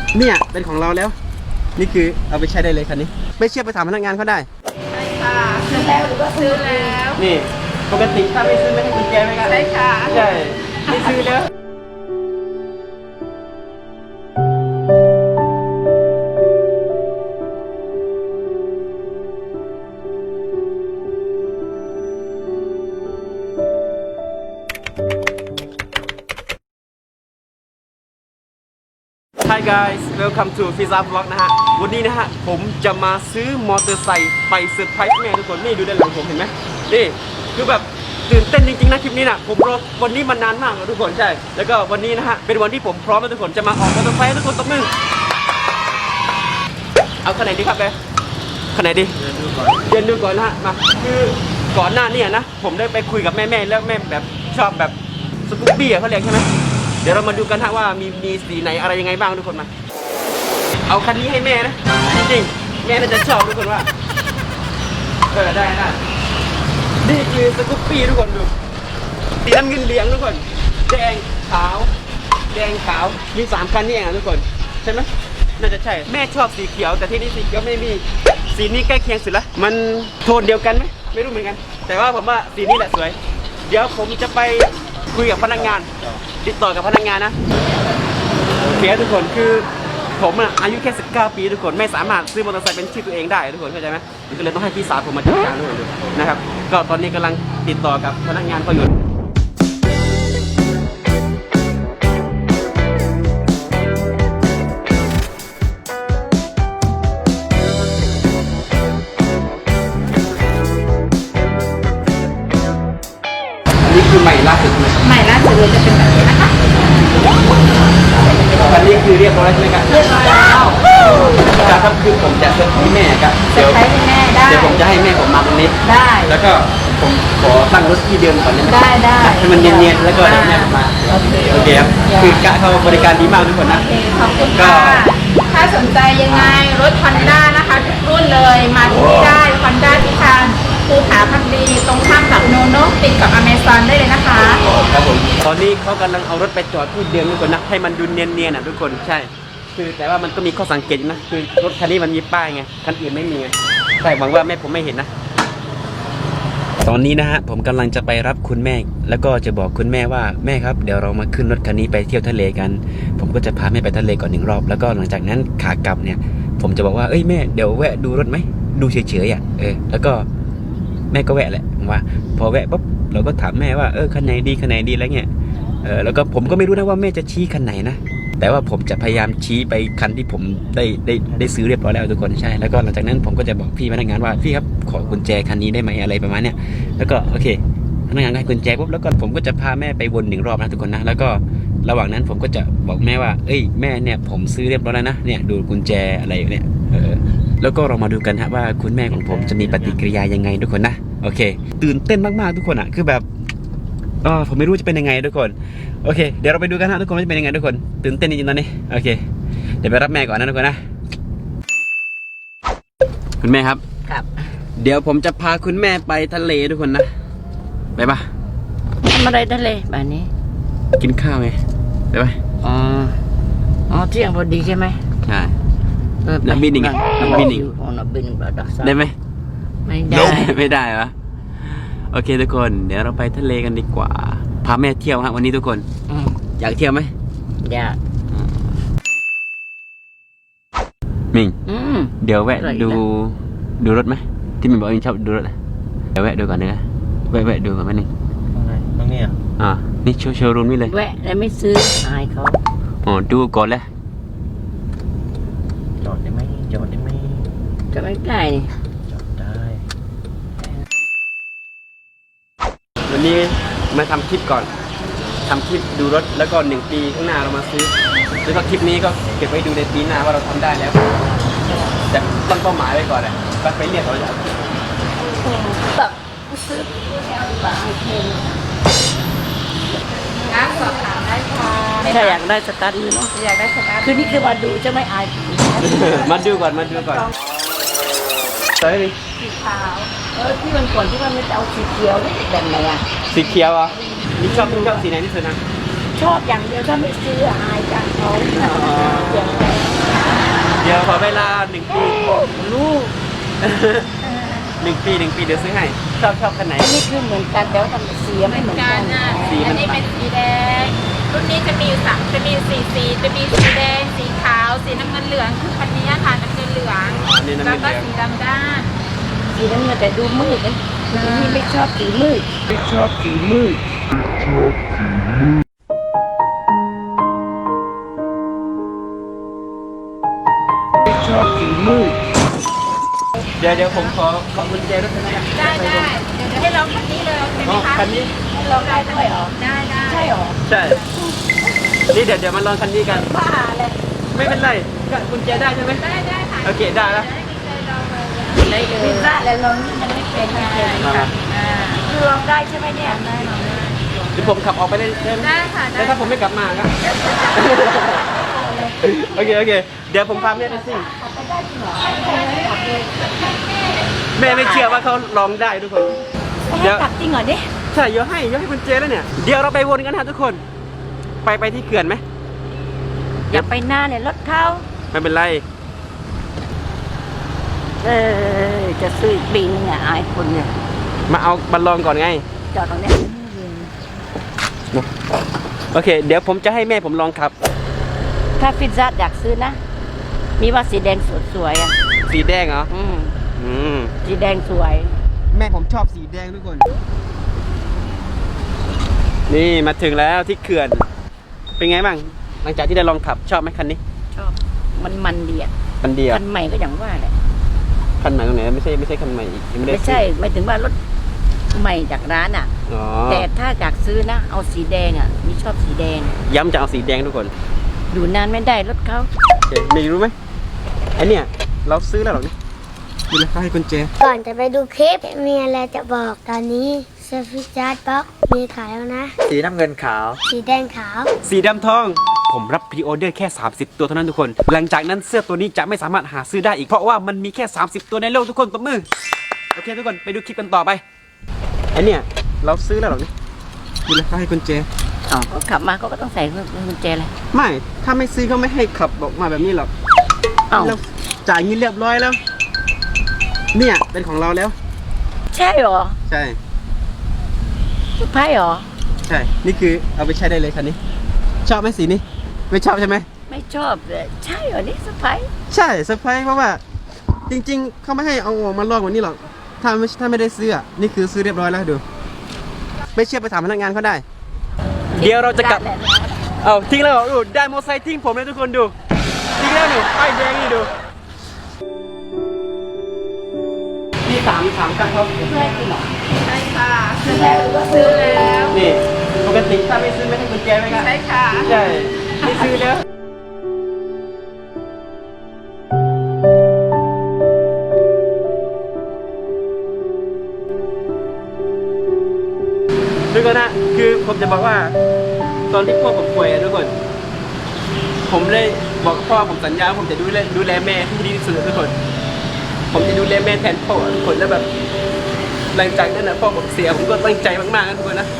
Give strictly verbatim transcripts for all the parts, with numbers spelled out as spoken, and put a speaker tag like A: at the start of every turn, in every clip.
A: เนี่ยเป็นของเราแล้วนี่คือเอาไปใช้ได้เลยคันนี้ไม่เชื่อไปถามพนักงานเขาได้
B: ใช่ค่ะซื้อแล้วหรือว่าซื้อแล้ว
A: นี่ปกติถ้าไม่ซื้อไม่ให้กุญแจไหมครับ
B: ใช่ค่ะ
A: ใช่ไม่ซื้อแล้ว Hi guys welcome to Pizza Vlog นะฮะวันนี้นะฮะผมจะมาซื้อมอเตอร์ไซค์ไปเซอร์ไพรส์แม่ทุกคนนี่ดูด้านหลังผมเห็นไหมนี่คือแบบตื่นเต้นจริงๆนะคลิปนี้นะผมรอวันนี้มานานมากเลยทุกคนใช่แล้วก็วันนี้นะฮะเป็นวันที่ผมพร้อมแล้วทุกคนจะมาออกมอเตอร์ไซค์ทุกคนตบมือเอาคันไหนดีครับเบคันไหนดีเดินดูก่อนนะฮะมาคือก่อนหน้านี้นะผมได้ไปคุยกับแม่ๆแล้วแม่แบบชอบแบบสกูปปี้เขาเรียกใช่ไหมเดี๋ยวเรามาดูกันฮะว่ามีมีสีไหนอะไรยังไงบ้างทุกคนมาเอาคันนี้ให้แม่นะจริงๆแม่น่าจะชอบทุกคนว่าเออได้ได้นี่คือสกูปปี้ทุกคนดูสีน้ำเงินเหลืองทุกคนแดงขาวแดงขาวมีสามคันนี่เองทุกคนใช่ไหมน่าจะใช่แม่ชอบสีเขียวแต่ที่นี่สีเขียวไม่มีสีนี้ใกล้เคียงสุดละมันโทนเดียวกันไหมไม่รู้เหมือนกันแต่ว่าผมว่าสีนี้แหละสวยเดี๋ยวผมจะไปคุยกับพนักงานติดต่อกับพนักงานนะโอเคทุกคนคือผมอ่ะอายุแค่สิบเก้าปีทุกคนไม่สามารถซื้อมอเตอร์ไซค์เป็นชื่อตัวเองได้ทุกคนเข้าใจไหมก็เลยต้องให้พี่สาวผมมาจัดการด้วยนะครับก็ตอนนี้กำลังติดต่อกับพนักงานเขาอยู่นี่คือใหม่ล่าสุด
B: ใหม่ล่าสุดเลยจะเป็นแบบนี้นะคะ
A: อันนี้คือเรียบร้อยใช่ไหมครับ
B: เรียบร้อยแล้ว
A: ครับคือผมจะเซอร์ไพรส์แม่ครับ
B: เซอร์ไพรส์แม่ได้
A: เดี๋ยวผมจะให้แม่ผมมาตรงนี้
B: ได้
A: แล้วก็ผมขอตั้งรถที่เดิมก่อนได้ไหม
B: ได้ได้
A: ให้มันเนียนๆแล้วก็แม่ผมมาโอเคโอเคครับคือกะเขาบริการดีมากทุกคนนะ
B: ขอบคุณค่ะถ้าสนใจยังไงรถ Honda นะคะทุกรุ่นเลยมาที่นี่ได้ Honda ที่ทางภูผาพักดีตรงข้ามกับโนโน่ติดกับ Amazon ได้เลยนะคะ
A: ครับผมตอนนี้เขากำลังเอารถไปจอดที่เดิมทุกคนนะให้มันดูเนียนๆอ่ะทุกคนใช่คือแต่ว่ามันก็มีข้อสังเกตนะคือรถคันนี้มันมีป้ายไงคันอื่นไม่มีไงใช่หวังว่าแม่ผมไม่เห็นนะตอนนี้นะฮะผมกำลังจะไปรับคุณแม่แล้วก็จะบอกคุณแม่ว่าแม่ครับเดี๋ยวเรามาขึ้นรถคันนี้ไปเที่ยวทะเลกันผมก็จะพาแม่ไปทะเลก่อนหนึ่งรอบแล้วก็หลังจากนั้นขากลับเนี่ยผมจะบอกว่าเอ้ยแม่เดี๋ยวแวะดูรถไหมดูเฉยๆอ่ะเออแล้วก็แม่ก็แวะแหละว่าพอแวะปุ๊บเราก็ถามแม่ว่าเออคันไหนดีคันไหนดีอะไรเงี้ยเออแล้วก็ผมก็ไม่รู้นะว่าแม่จะชี้คันไหนนะแต่ว่าผมจะพยายามชี้ไปคันที่ผมได้ได้ได้ซื้อเรียบร้อยแล้วทุกคนใช่แล้วก็หลังจากนั้นผมก็จะบอกพี่พนักงานว่าพี่ครับขอกุญแจคันนี้ได้ไหมอะไรประมาณเนี้ยแล้วก็โอเคพนักงานให้กุญแจปุ๊บแล้วก็ผมก็จะพาแม่ไปวนหนึ่งรอบนะทุกคนนะแล้วก็ระหว่างนั้นผมก็จะบอกแม่ว่าเอ้ยแม่เนี่ยผมซื้อเรียบร้อยแล้วนะเนี่ยดูกุญแจอะไรเนี่ยเออแล้วก็เรามาดูกันฮะว่าคุณแม่ของผมจะมีปฏิกิริยายังไงทุกคนนะโอเคตื่นเต้นมากๆทุกคนอ่ะคือแบบอ๋อผมไม่รู้จะเป็นยังไงทุกคนโอเคเดี๋ยวเราไปดูกันนะทุกคนว่าจะเป็นยังไงทุกคนตื่นเต้นจริงๆตอนนี้โอเคเดี๋ยวไปรับแม่ก่อนนะทุกคนนะคุณแม่ครับ
B: ครับ
A: เดี๋ยวผมจะพาคุณแม่ไปทะเลทุกคนนะไปปะ
B: ทำอะไรทะเลแบบนี้
A: กินข้าวไงไปปะ
B: อ๋ออ๋อเที่ยงพอดีใช่ไหม
A: ใช่นักบินอีกนักบินอีกได้ไหม
B: ไม่ได้
A: ไม่ได้เหรอโอเคทุกคนเดี๋ยวเราไปทะเลกันดีกว่าพาแม่เที่ยวฮะวันนี้ทุกคนอยากเที่ยวไหม
B: อยาก
A: มิงเดี๋ยวแวะดูดูรถไหมที่มิงบอกมิงชอบดูรถเดี๋ยวแวะดูก่อนนะแวะแวะดูก่อนไหมนี่
C: ตรงนี้อ่ะ
A: อ่านี่โชว์โชว์รูมนี่เลย
B: แวะแล้วไม่ซื้ออายเขา
A: อ๋อดูก่อนเลย
C: จอดได้ไหมจอดได้ไหม
B: จะไม่ได้นี่
C: จอดได้
A: วันนี้มาทำคลิปก่อนทำคลิปดูรถแล้วก็หนึ่งปีข้างหน้าเรามาซื้อแล้วก็คลิปนี้ก็เก็บไว้ดูในปีหน้าว่าเราทำได้แล้วแต่ตั้งเป้าหมายไว้ก่อนเลยก็ไปเรียกเขาอย่าง
B: แบบซื้อแบบเพลงงั้นสอบถามได้ค่ะถ้าอยากได้สตาร์ทเนาะอยากได้สตาร์ทคือนี่คือมาดูจะไม่อาย
A: มาดูก่อนมาดูก่อนเฮ้ย
B: สีขาวเออที่มันก่อนที่มันไม่จะเอาสีเขียวแบบไหนอ่ะ
A: สีเขียวอ่ะนี่ชอบชอบสีไหนที่สุดนะ
B: ชอบอย่างเดียวถ้าไม่ซื้ออายจังเขา
A: ดี๋ยวขอเวลาหนึ่งปีลูก หนึ่งปีหนึ่งปีเดี๋ยวซื้อให้ชอบชอบคันไหน
D: นี่คือเหมือนกันแต่ว่าทำสีไม่เหมือน
B: กา
D: กั
B: ร
D: น
B: น่ะ
A: สีมัน
B: อันนี้เป็นสีแดงรุ่นนี้จะมีอยู่สามจะมีอยู่สี่สีจะมีสีแดงสีขาวสีน้ำเงินเหลืองคือคันนี้ค่ะน้ำเงินเหลือง
A: อันนี้น้ำ
B: แล้ว
A: เงิน
B: ก็
A: เหลือง
B: สีดำด้าน
D: สีน้ำเงินแต่ดูมืดนะนี่ไม่ชอบสีมืดไม่ชอบสีมืด ไม่ชอบสีมืด
A: เดี๋ยวเดี๋ยวผมขอขอกุญแจรถคันนี้นะ
B: ได้ได้เดี๋ยวเดี๋ยวให้ลองคันนี้เลยโอเคไหม
A: อ๋อ
B: คะ
A: คันนี้
D: ลองได้ด้วยเหรอ
B: ได้ได้
D: ใช่เหรอ
A: ใช่ นี่เดี๋ยวเดี๋ยวมาลองคันนี้กัน
D: บ้าเลย
A: ไม่เป็นไรก็กุญแจได้ใช่ไหม
B: ได้ได้ค่ะ
A: โอเคได้แล้ว
B: ได้ดีใจลองเลย
D: พิซซ่าแล้วลองนี่มันไม่เป็นไม่เป็น
A: มามา
B: อ่า
D: คือลองได้ใช่ไหมเนี่ย
B: ได้ลองได้
A: เดี๋ยวผมขับออกไปเลยได้ไหม
B: ได้ค่ะได้
A: แล้วถ้าผมไม่กลับมาครับ โอเคโอเค เดี๋ยวผมพาแม่ไปซิ่งแม่ไม่เชื่อว่าเขาลองได้ทุกคน เดี๋ยว
D: กลับจริงเหรอเนี่ย
A: ใช่เดี๋ยวให้เดี๋ยวให้กุญแจแล้วเนี่ย เดี๋ยวเราไปวนกันนะทุกคน ไปไปที่เขื่อนไหม
D: อย่าไปหน้าเนี่ยรถเข้า
A: ไม่เป็นไร
D: เออจะซื้ออีกปีนึงอ่ะอายคนเนี่ย
A: มาเอาบัลลองก่อนไง
D: จอดตรงเนี้ย
A: โอเค เดี๋ยวผมจะให้แม่ผมลองขับ
D: ถ้าพิซซ่าอยากซื้อนะ มีว่าสีแดงสวยๆอ่ะ
A: สีแดงเหรอ
D: อืม
A: อืม
D: สีแดงสวย
A: แม่ผมชอบสีแดงทุกคน นี่มาถึงแล้วที่เขื่อน เป็นไงบ้าง หลังจากที่ได้ลองขับชอบไหมคันนี้
D: ชอบ มันมันดีอ่ะ
A: คันเดียว
D: คันใหม่ก็อย่างว่าแหละ
A: คันใหม่ตรงไหนไม่ใช่ไม่ใช่คันใหม่อีกยังไม่ได้
D: ไม่ใช่ไม่ถึงว่ารถใหม่จากร้านอ่ะ
A: อ๋อ
D: แต่ถ้าอยากซื้อนะ เอาสีแดงอ่ะมีชอบสีแดง
A: ย้ำจะเอาสีแดงทุกคน
D: อยู่นานไม่ได้รถเขา
A: โอเคมีรู้ไหมไอเนี่ยเราซื้อแล้วหรอเนี่ยดูเลยเขาให้กุญแจ
E: ก่อนจะไปดูคลิป มีอะไรจะบอกตอนนี้เซฟิจาร์ดบ็อกมีขายแล้วนะ
C: สีน้ำเงินขาว
E: สีแดงขาว
A: สีดำทอง ผมรับพรีออเดอร์แค่ สามสิบ ตัวเท่านั้นทุกคน หลังจากนั้นเสื้อตัวนี้จะไม่สามารถหาซื้อได้อีก เพราะว่ามันมีแค่ สามสิบ ตัวในโลกทุกคนตบมือ โอเคทุกคนไปดูคลิปกันต่อไปไอเนี่ยเราซื้อแล้วหรอเนี่ยดูเลยเขาให้กุญแจ
D: อ๋อก็ขับมาเขาก็ต้องใส่กุญแจเลย
A: ไม่ ถ้าไม่ซื้อเขาไม่ให้ขับออกมาแบบนี้หรอก
D: เอ้า
A: เราจ่ายเงินเรียบร้อยแล้ว เนี่ยเป็นของเราแล้ว
D: ใช่เหรอ
A: ใช่
D: สุดท้ายเหรอ
A: ใช่ นี่คือเอาไปใช้ได้เลยคันนี้ ชอบไหมสีนี้ ไม่ชอบใช่ไหม
D: ไม่ชอบเลยใช่เหรอนี่สุดท้าย
A: ใช่เซอร์ไพรส์เพราะว่า จริง ๆเขาไม่ให้เอาออกมาลอกวันนี้หรอก ถ้าไม่ถ้าไม่ได้ซื้ออะนี่คือซื้อเรียบร้อยแล้วดู ไม่เชื่อไปถามพนักงานเขาได้ เดี๋ยวเราจะกลับ เอาทิ้งแล้วเหรอดูได้มอเตอร์ไซค์ทิ้งผมเลยทุกคนดูทิ้งแล้วหนูป้ายแดงนี่ดูพี่ถามถามกันเขา
D: เพื่อนจริงเหรอ
B: ใช่ค่ะซื้อแล้วก็ซื้อแล้ว
A: นี่ปกติถ้าไม่ซื้อไม่ให้กุญแจไหมครับ
B: ใช่ค่ะ
A: ใช่ไม่ซื้อแล้วทุกคนนะคือผมจะบอกว่าตอนที่พ่อผมป่วยอะทุกคน ผมเลยบอกพ่อผมสัญญาว่าผมจะดูแลดูแลแม่ที่ดีที่สุดทุกคน ผมจะดูแลแม่แทนพ่อทุกคนแล้วแบบหลังจากนั้นนะพ่อผมเสียผมก็ตั้งใจมากๆนะทุกคนนะ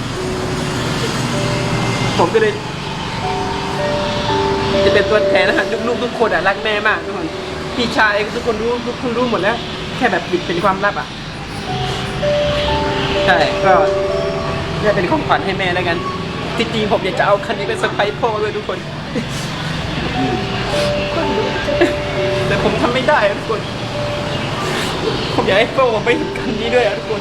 A: ผมก็เลย จะเป็นตัวแทนนะฮะลูกๆทุกคนอ่ะรักแม่มากทุกคนพี่ชายทุกคนรู้ทุกคนรู้หมดแล้ว แค่แบบปิดเป็นความลับอ่ะใช่ก็นี่เป็นของขวัญให้แม่แล้วกันจริงๆผมอยากจะเอาคันนี้ไปเซอร์ไพรส์พ่อเลยทุกคน แต่ผมทำไม่ได้อะทุกคน ผมอยากให้พ่อผมไปเห็นคันนี้ด้วยอะทุกคน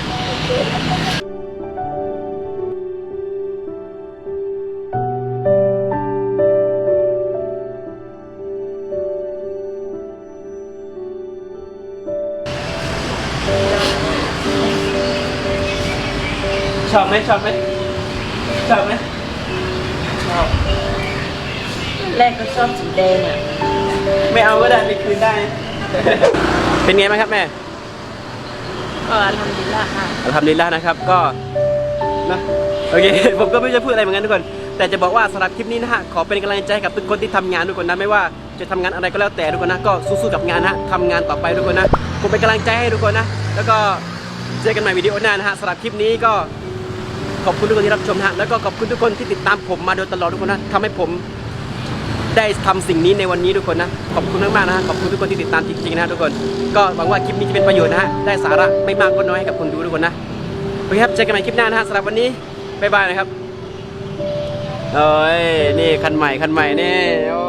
A: ชอบไหมชอบไหมชอบไหมชอบ
D: แรกก็ชอบสีแดงอ่ะ
A: ไม่เอาก็ได้ไปคืนได้ เป็นไงบ้างครับแม่
D: ก็ทำดีละค่ะ
A: ทำดีแล้วนะครับก็นะโอเค ผมก็ไม่รู้จะพูดอะไรเหมือนกันทุกคน แต่จะบอกว่าสำหรับคลิปนี้นะฮะขอเป็นกำลังใจให้กับทุกคนที่ทำงานทุกคนนะไม่ว่าจะทำงานอะไรก็แล้วแต่ทุกคนนะก็สู้ๆกับงานนะทำงานต่อไปทุกคนนะผมเป็นกำลังใจให้ทุกคนนะแล้วก็เจอกันใหม่วิดีโอหน้านะฮะสำหรับคลิปนี้ก็ขอบคุณทุกคนที่รับชมนะฮะแล้วก็ขอบคุณทุกคนที่ติดตามผมมาโดยตลอดทุกคนนะทำให้ผมได้ทำสิ่งนี้ในวันนี้ทุกคนนะขอบคุณมากๆนะฮะขอบคุณทุกคนที่ติดตามจริงๆนะฮะทุกคนก็หวังว่าคลิปนี้จะเป็นประโยชน์นะฮะได้สาระไม่มากก็น้อยให้กับคนดูทุกคนนะโอเคครับเจอกันใหม่คลิปหน้านะฮะสำหรับวันนี้บ๊ายบายนะครับเอ้ยนี่คันใหม่คันใหม่นี่โอ้